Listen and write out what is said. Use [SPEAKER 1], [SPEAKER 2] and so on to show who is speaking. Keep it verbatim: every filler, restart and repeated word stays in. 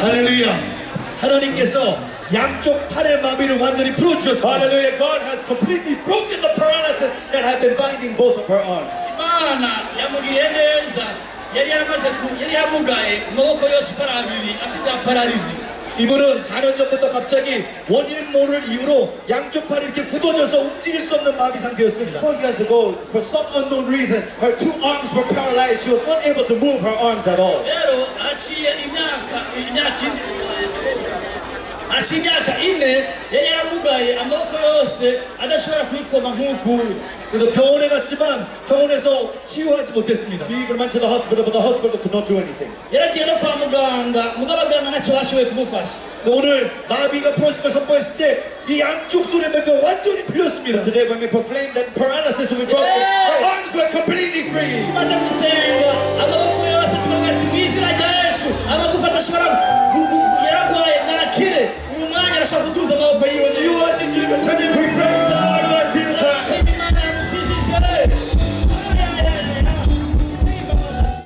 [SPEAKER 1] 할렐루야. 하나님께서 양쪽 팔의 마비를 완전히 풀어주셨습니다.
[SPEAKER 2] Hallelujah. God has completely broken the paralysis that had been binding both of her arms.
[SPEAKER 3] Imana yamugiriye neza yari yamaze ku yari yamugaye amaboko yose uko ari abiri afite pararizi.
[SPEAKER 1] 이분은 사 년 전부터 갑자기 원인 모를 이유로 양쪽 팔이 이렇게 굳어져서 움직일 수 없는 마비 상태였습니다.
[SPEAKER 2] Four years ago, for some unknown reason, her two arms were paralyzed. She was unable to move her arms at all.
[SPEAKER 3] rero aciye imyaka imyaka ine aciye imyaka ine yari yaramugaye amaboko yose adashobora kwikoma nk'uku.
[SPEAKER 1] 그래서 병원에 갔지만 병원에서 치유하지 못했습니다.
[SPEAKER 2] She even went to the hospital, but the hospital could not do anything.
[SPEAKER 3] yaragiye no kwa muganga mugabo abaganga ntacyo bashoboye kumufasha.
[SPEAKER 1] 오늘 마비가 풀어진 걸 선포했을 때 이 양쪽 손의 마비가 완전히 풀렸습니다.
[SPEAKER 2] Today, when we proclaimed that paralysis will be broken, her arms were completely free.
[SPEAKER 3] tumaze gusenga amaboko yose tukavuga ati mu izina rya yesu amagufa adashobora gu- gu- yaragwaye nakire uyu mwanya arashobora kudu